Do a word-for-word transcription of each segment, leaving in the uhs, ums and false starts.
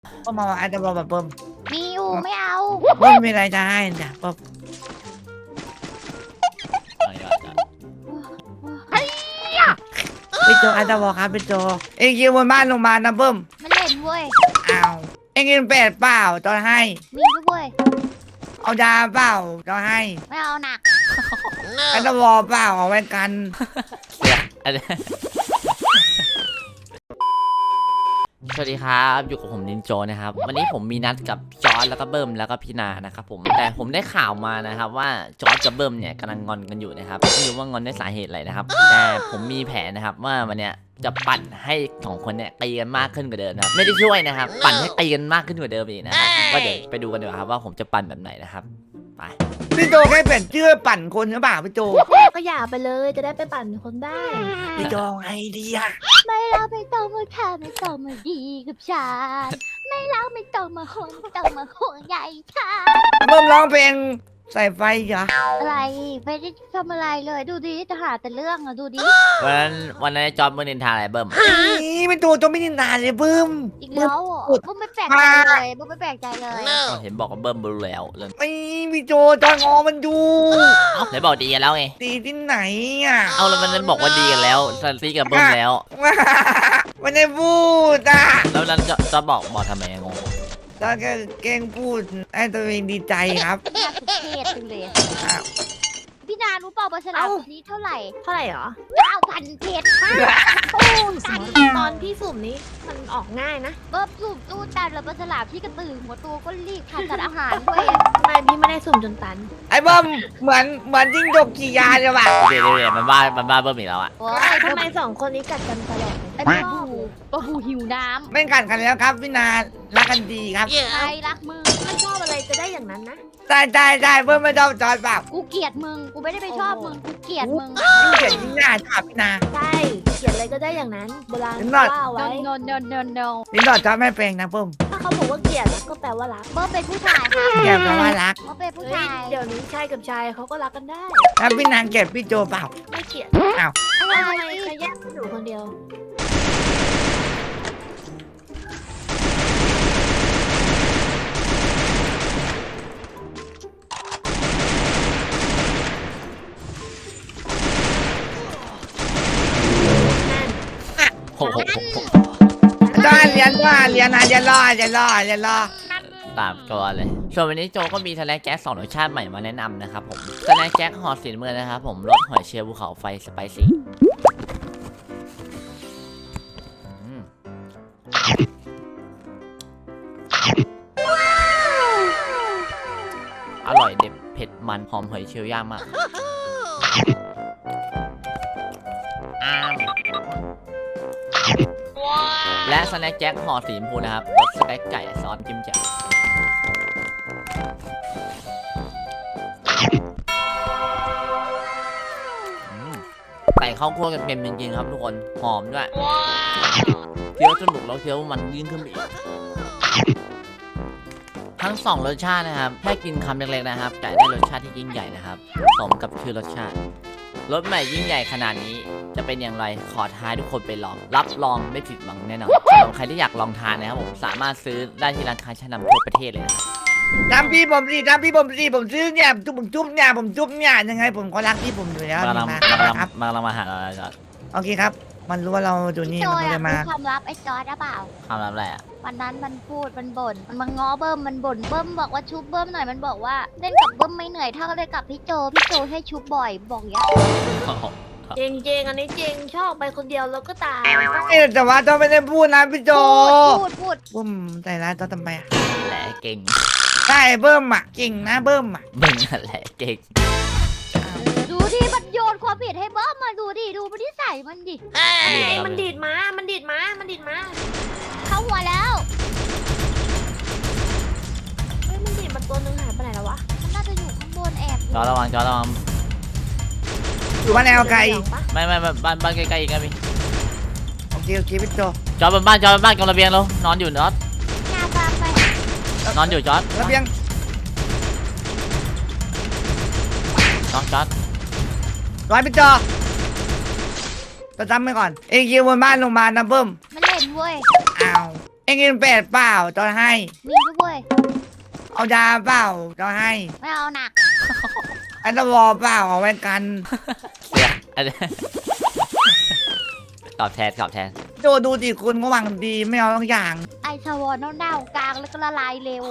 ก็มาอาจจะบอกแบบเบิ้มมีอยู่ไม่เอาเบิ้มมีอะไรจะให้จ้ะเบิ้มพี่โจอาจจะบอกครับพี่โจเอ็งยืมบนบ้านลงมานะเบิ้มไม่เล่นเว้ยอ้าวเอ็งกินเป็ดเปล่าตอนให้มีด้วยเว้ยเอาดาเปล่าตอนให้ไม่เอาหนักอาจจะบอกเปล่าเอาไว้กันสวัสดีครับอยู่กับผมนินโจนะครับวันนี้ผมมีนัดกับจอร์จแล้วก็เบิ้มแล้วก็พี่นานะครับผมแต่ผมได้ข่าวมานะครับว่าจอร์จกับเบิ้มเนี่ยกำลังงอนกันอยู่นะครับไม่รู้ว่างอนด้วยสาเหตุอะไรนะครับแต่ผมมีแผนนะครับว่าวันเนี้ยจะปั่นให้สองคนเนี่ยตีกันมากขึ้นกว่าเดิมนะครับไม่ได้ช่วยนะครับปั่นให้ตีกันมากขึ้นกว่าเดิมอีกนะครับก็เดี๋ยวไปดูกันดีกว่าครับว่าผมจะปั่นแบบไหนนะครับไปพี่โจแค่เปลี่ยนชื่อปั่นคนหรือเปล่าพี่โจก็อย่าไปเลยจะได้ไปปั่นคนได้พี่โจไงดีอะไม่เราไม่ต้องมาทำไม่ต้องมาดีกับฉันไม่เราไม่ต้องมาห่วงไม่ต้องมาห่วงใยฉันเบิ้มร้องเพลงใส่ไฟเหรออะไรไม่ได้ทำอะไรเลยดูดิจะหาแต่เรื่องอะดูดิวันนั้นวันนั้นจอร์จเบิ้มนินทาอะไรเบิ้มนี่เป็นตัวตัวไม่นินทาเลยเบิ้มอีกแล้วอ่ะบุ๊มไม่แปลกใจเลยบุ๊มไม่แปลกใจเลยเห็นบอกว่าเบิ้มรู้แล้วเลยไอ้พี่โจจอยงอมันดูไหนบอกดีกันแล้วไงตีที่ไหนอ่ะเอาแล้วมันบอกว่าดีกันแล้วตีกับเบิ้มแล้วมันได้พูดอ่ะแล้วนั้นจะจะบอกบอกทำไมงงตอนแกเก่งพูดให้ตัวเองดีใจครับน่าสุดเทศจังเลยพี่นารู้เปล่าบาฉลามตัวนี้เท่าไหร่เท่าไหร่หรอเก้าพันเพชรโอ้ตอนพี่สุ่มนี้มันออกง่ายนะเบิ้มสุ่มตู้ตันแล้วบาฉลามพี่กระตือหัวตัวก็รีบขาดสารอาหารด้วยทำไมพี่ไม่ได้สุ่มจนตันไอ้เบิ้มเหมือนเหมือนจิ้งจกขี่ยาเลยว่ะเดี๋ยวเดี๋ยวมันบ้ามันบ้าเบิ้มอีกแล้วอ่ะทำไมสองคนนี้กัดกันตลอดไอ้บ้าบูบ้าบูหิวน้ำไม่กัดกันแล้วครับพี่นารักกันดีครับใครรักมึงไม่ชอบอะไรจะได้อย่างนั้นนะใช่ใช่ใช่เบิ้มไม่ชอบจอยเปล่ากูเกลียดมึงกูไม่ได้ไปชอบมึงกูเกลียดมึงเกลียดยิ่งหน้าชอบพี่นาใช่เขียนอะไรก็ได้อย่างนั้นโบราณว่าไว้ no no no no ลิ้นดอดชอบไม่เป็นนะเบิ้มถ้าเขาบอกว่าเกลียดก็แปลว่ารักเบิ้มเป็นผู้ชายค่ะเกลียดแปลว่ารักเบิ้มเป็นผู้ชายเดี๋ยวนี้ชายกับชายเขาก็รักกันได้แล้วพี่นางเกลียดพี่โจเปล่าไม่เกลียดอ้าวทำไมใครแยกอยู่คนเดียวจ้าเรียนว่าเรียนนะเรียนรอเรียนรอเรียนรอตามตัวเลยส่วนวันนี้โจก็มีสแน็คแจ็คสองรสชาติใหม่มาแนะนำนะครับผมสแน็คแจ็คห่อสีเมือนะครับผมรสหอยเชลล์ภูเขาไฟสไปซี่อร่อยเด็ดเผ็ดมันหอมหอยเชลล์ย่างมากและสแน็คแจ็คห่อสีชมพูนะครับรสสเต็กไก่ซอสจิ้มแจ่วใส่ข้าวคั่วกันเป็นจริงๆครับทุกคนหอมด้วยเคี้ยวสนุกแล้วเคี้ยวมันยิ่งขึ้นอีกทั้งสองรสชาตินะครับแค่กินคำเล็กๆนะครับแต่ได้รสชาติที่ยิ่งใหญ่นะครับสมกับชื่อรสชาติรสใหม่ยิ่งใหญ่ขนาดนี้จะเป็นอย่างไรขอท้าทุกคนไปลองรับรองไม่ผิดหวังแน่นอนสำหรับใครที่อยากลองทานนะครับผมสามารถซื้อได้ที่ร้านค้าชั้นนำทั่วประเทศเลยนะทำพี่ผมสิทำพี่ผมสิผมซื้อเนี่ยจุ๊บผมจุ๊บเนี่ยผมจุ๊บเนี่ยยังไงผมก็รักพี่ผมอยู่แล้วมามาครับมาเรามาหาเราจอดโอเคครับมันรู้ว่าเราอยู่นี่มันเลยมาความลับไอ้จอร์ดหรือเปล่าความลับอะไรอ่ะวันนั้นมันพูดมันบ่นมันมาง้อเบิ้มมันบ่นเบิ้มบอกว่าชุบเบิ้มหน่อยมันบอกว่าเล่นกับเบิ้มไม่เหนื่อยเท่าเล่นกับพี่โจพี่โจให้ชุบบ่อยบอกอย่างจริงจริงอันนี้จริงชอบไปคนเดียวแล้วก็ตายแต่ว่าต้องไม่ได้พูดนะพี่โจพูดพูดบุ้มใจร้ายต้องทำไมแหละเก่งใช่เบิ้มอ่ะเก่งนะเบิ้มอ่ะเบิ้มนั่นแหละเก่งดูดิมันโยนความผิดให้เบิ้มมาดูดิดูมันที่ใส่มันดิมันดีดมามันดีดมามันดีดมาเข้าหัวแล้วเฮ้ยมันดีดมาตัวนึงหายไปไหนแล้ววะมันน่าจะอยู่ข้างบนแอบจอระวังจอระวังอยู่บ้านแนวไกลไม่ไม่บ้านบ้านใกล้ๆอีกนะพี่โอเคโอเคพี่โจจอดบนบ้านจอดบนบ้านกองระเบียงเรานอนอยู่นอนงาตามไปนอนอยู่จอดระเบียงนอนจอดร้อยพี่โจจะจำไปก่อนเอ็งยืมบนบ้านลงมานะเบิ้มไม่เล่นเว้ยอ้าวเอ็เงินแปดเปล่าจอให้มีด้วยเอาดาเปล่าจอให้ไม่เอาหนักอันตวอเปล่าเอาไว้กันเสียอันนี้ ตอบแทนตอบแทนโจดูดิคุณก็หวังดีไม่เอาทุกอย่างไอชาวอนเน่าๆกลางแล้วก็ละลายเร็ว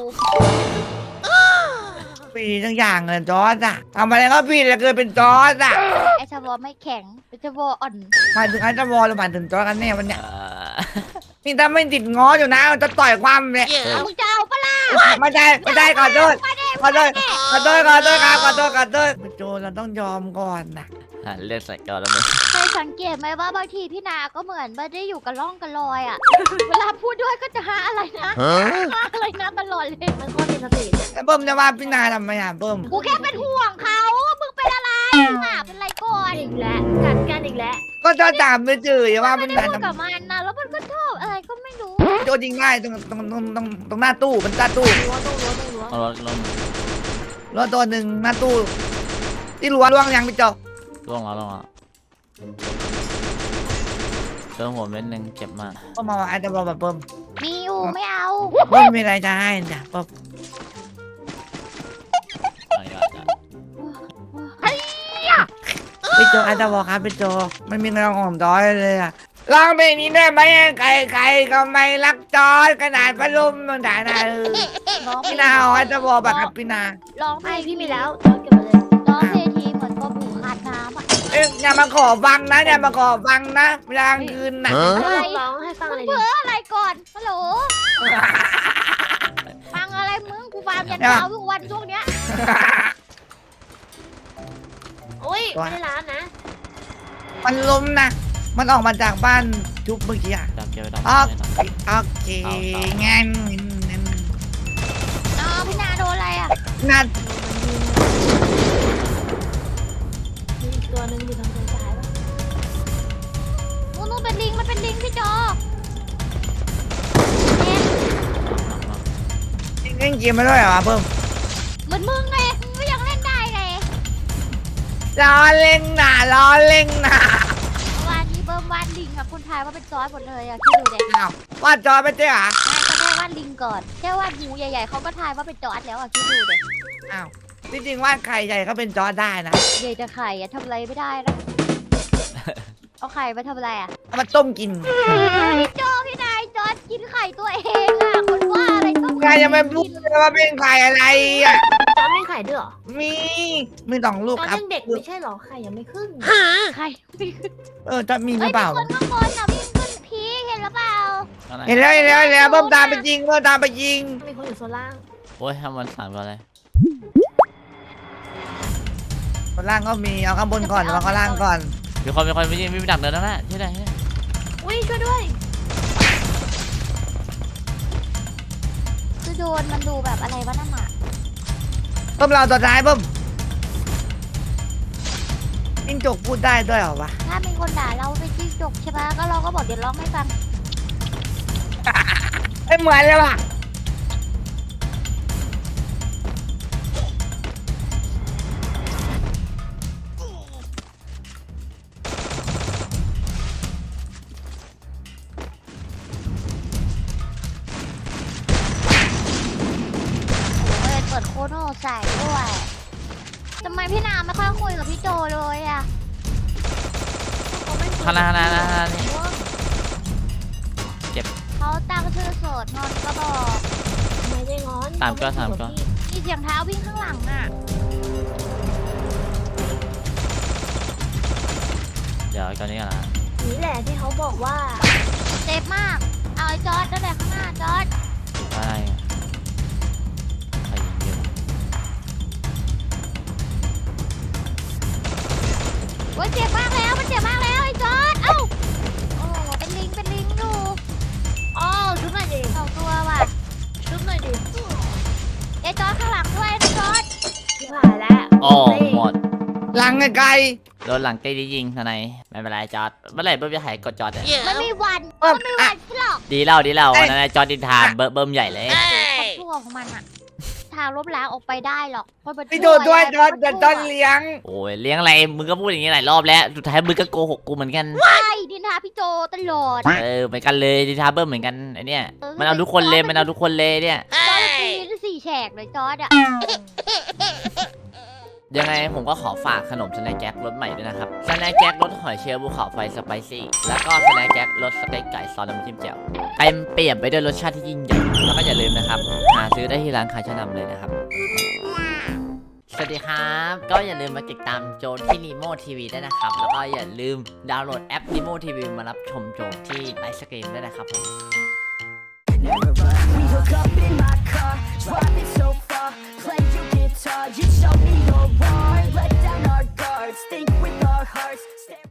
ปีทุกอย่างเลยจอร์ดอะทำอะไรก็ผิดแล้วเกินเป็นจอร์ดอะไอชาวอนไม่แข็งไอชาวอนอ่อนหมายถึงอันตวอหรือหมายถึงจอร์ดกันแน่วันเนี้ยเอ่อนี่ถ้าไม่ติดง้ออยู่นะจะต่อยความเลยเอามึงจะเอาปะล่ะไม่ได้ไม่ได้ขอโทษขอโทษขอโทษขอโทษครับขอโทษขอโทษโจเราต้องยอมก่อนนะอ่ะเลือดใส่ก่อนแล้วมึงเคยสังเกตไหมว่าบางทีพี่นาก็เหมือนไม่ได้อยู่กับร่องกับรอยอ่ะ เวลาพูดด้วยก็จะหาอะไรนะหาอะไรนะตลอดเลยมันโคตรมีสติเนี่ยแล้วเบิ้มจะว่าพี่นาทำไมอ่ะเบิ้มกูแค่เป็นห่วงเขามึงเป็นอะไรอ่ะเป็นไรก่อนอีกแล้วกัดกันอีกแล้วก็จะตามไปจืดว่าไม่พี่ได้นาพูดทำกับมันนะแล้วมันก็ชอบอะไรก็ไม่รู้โจยิงง่ายตรงตรงตรงตรงตรงหน้าตู้เป็นหน้าตู้รั้วต้องรั้วต้องรั้วเอารถลงรถตัวหนึ่งหน้าตู้ที่รั้วล่วงยังพี่โจล่วงแล้วล่วงแล้วเจอหัวเม็ดหนึ่งเจ็บมากก็มาว่าอาจจะบอกแบบเบิ้มมีอยู่ไม่เอาเบิ้มมีอะไรจะให้จ้ะเบิ้มอะไรก็จะพี่โจอาจจะบอกครับพี่โจไม่มีเงินของจอยเลยอ่ะลองเพลงนี้ได้ไหมใครใครก็ไม่รักจอยขนาดพัดลมมันด่านะเออร้องเพลพี่งนาอาจจะบอกแบบครับพี่นาร้องเพลไม่งพี่มีแล้วจอดเก็บมาเลยร้องเพลงทีเหมือนปลาบูขาดน้ำอ่ะเอ้ยอย่ามาขอฟังนะอย่ามาขอฟังนะเวลากลางคืนนะอะไรร้องให้ฟังมึเลงยดิเพ้ออะไรก่อนฮัลโหลฟังอะไรมึงกูฟังยันเช้าทุกวันช่วงเนี้ยโอ้ยไม่ได้ร้านนะมันล้มนะมันออกมาจากบ้านทุบเมื่อกี้อ่ะจับเก็บไว้ตรงอ๋อนี้ตรงโอเคงั้นงั้นอ๋อพี่นาโดนอะไรอ่ะนัดมีอีกตัวหนึงอยู่ทางซ้ายป่ะนู่นนู่นเป็นลิงมันเป็นลิงพี่จอเนี่ยเล่นเกมมาด้วยเหรอเพิ่มเหมือนมึงไงมึงก็ยังเล่นได้ไงล้อเล่นนะล้อเล่นนะวันนี้เบิ้มวาดลิงอะคุณทายว่าเป็นจอร์จหมดเลยอะคิดดูเด็กอ้าวว่าจอไม่ใช่เหรอก็ได้วาดลิงก่อนแค่วาดหูใหญ่ๆเขาก็ทายว่าเป็นจอร์จแล้วอะคิดดูเด็กอ้าวที่จริงว่าใครใหญ่ก็เป็นจอได้นะใหญ่จะไข่อะทำอะไรไม่ได้นะเอาไข่มาทำอะไรอะเอามาต้มกินพี่โจพี่นายจอร์จกินไข่ตัวเองอะคนว่าอะไรต้องใครยังไม่พูดเลยว่าเป็นใครอะไรอ่ะจอดไม่ไข่ด้วยเหรอมีมีสองลูกจอดครับยังเด็กไม่ใช่เหรอไข่ยังไม่ขึ้นไข่เออจะมีหเฮ้รืยอเปล่ามีคนข้างบนอะวิ่งขึ้นพีคเห็นหรือเปล่าข้างในเห็นแล้วเห็นแล้วเห็นแล้วเพิ่มตามไปยิงเพิ่มตามไปยิงมีคนอยู่โซนล่างโอ้ยทำมันสามตัวเลยข้างล่างก็มีเอาข้างบนก่อนเอาข้างล่างก่อนมีคนมีคนไม่ยิงไม่ดักเดินแล้วนะที่ไหนที่ไหนอุ้ยช่วยด้วยคือโดนมันดูแบบอะไรวะนั่นอะเพิ่มเราตัวท้ายเพิ่มจิ้งจกพูดได้ด้วยเหรอวะถ้ามีคนด่าเราเป็นจิ้งจกใช่ปะก็เราก็บอกเดี๋ยวร้องให้ฟังไม่เหมือนเลยว่ะเปิดเปิดโคโน่ใส่ด้วยทำไมพี่นาไม่ค่อยคุยกับพี่โจเลยอะเขาไม่ข้างหน้าข้างหน้าข้างหน้านี่เขาตั้งชื่อโสดนอนก็บอกไม่ได้งอนสามตัวสามตัวมีเสียงเท้าวิ่งข้างหลังอะเดี๋ยวตอนนี้กันนะนี่แหละที่เขาบอกว่าเจ็บมากเอาไอ้จอร์ดนั่นแหละข้างหน้าจอร์ดอะไรใครยิงอยู่โอ้ยเจ็บมากแล้วมันเจ็บมากแล้วไอ้จอร์ดเอ้าโอ้เป็นลิงเป็นลิงอยู่อ๋อชุบหน่อยดิสองตัวว่ะชุบหน่อยดิไอ้จอร์ดข้างหลังด้วยนะจอร์ดที่ผ่านแล้วโอ้หมดหลังไกลโดนหลังตีได้ยิงทนายไม่เป็นไรจอดเมื่อไหร่เบิ้มจะหายกดจอดเนี่ยมันมีวันๆเพิ่มมันมีอ่ะวันที่หรอกดีเล่าดีเล่าวันนั้นจอดดินทานเบิ้มเบิ้มใหญ่เลยความชั่วของมันอะทางลบล้างออกไปได้หรอกเพราะมันพี่โจด้วยจอนจอนเลี้ยงโอ้ยเลี้ยงอะไรมึงก็พูดอย่างนี้หลายรอบแล้วสุดท้ายมึงก็โกหกกูเหมือนกันใช่ดินทาพี่โจตลอดเออเหมือนกันเลยดิทาเบิ้มเหมือนกันไอเนี่ยมันเอาทุกคนเลยมันเอาทุกคนเลยเนี่ยจอร์ดตีสี่แฉกเลยจอร์ดอะยังไงผมก็ขอฝากขนมสแน็คแจ็ครสใหม่ด้วยนะครับสแน็คแจ็ครสหอยเชลล์ภูเขาไฟสไปซี่แล้วก็สแน็คแจ็ครสสเต็กไก่ซอสน้ำจิ้มแจ่วเต็มเปี่ยมไปด้วยรสชาติที่ยิ่งใหญ่แล้วก็อย่าลืมนะครับหาซื้อได้ที่ร้านขายชั้นนำเลยนะครับสวัสดีครับ ก็อย่าลืมมาติดตามโจที่ Nemo ที วี ด้วยนะครับแล้วก็อย่าลืมดาวน์โหลดแอป Nemo ที วี มารับชมโจที่ไลฟ์สตรีมด้วยนะครับผม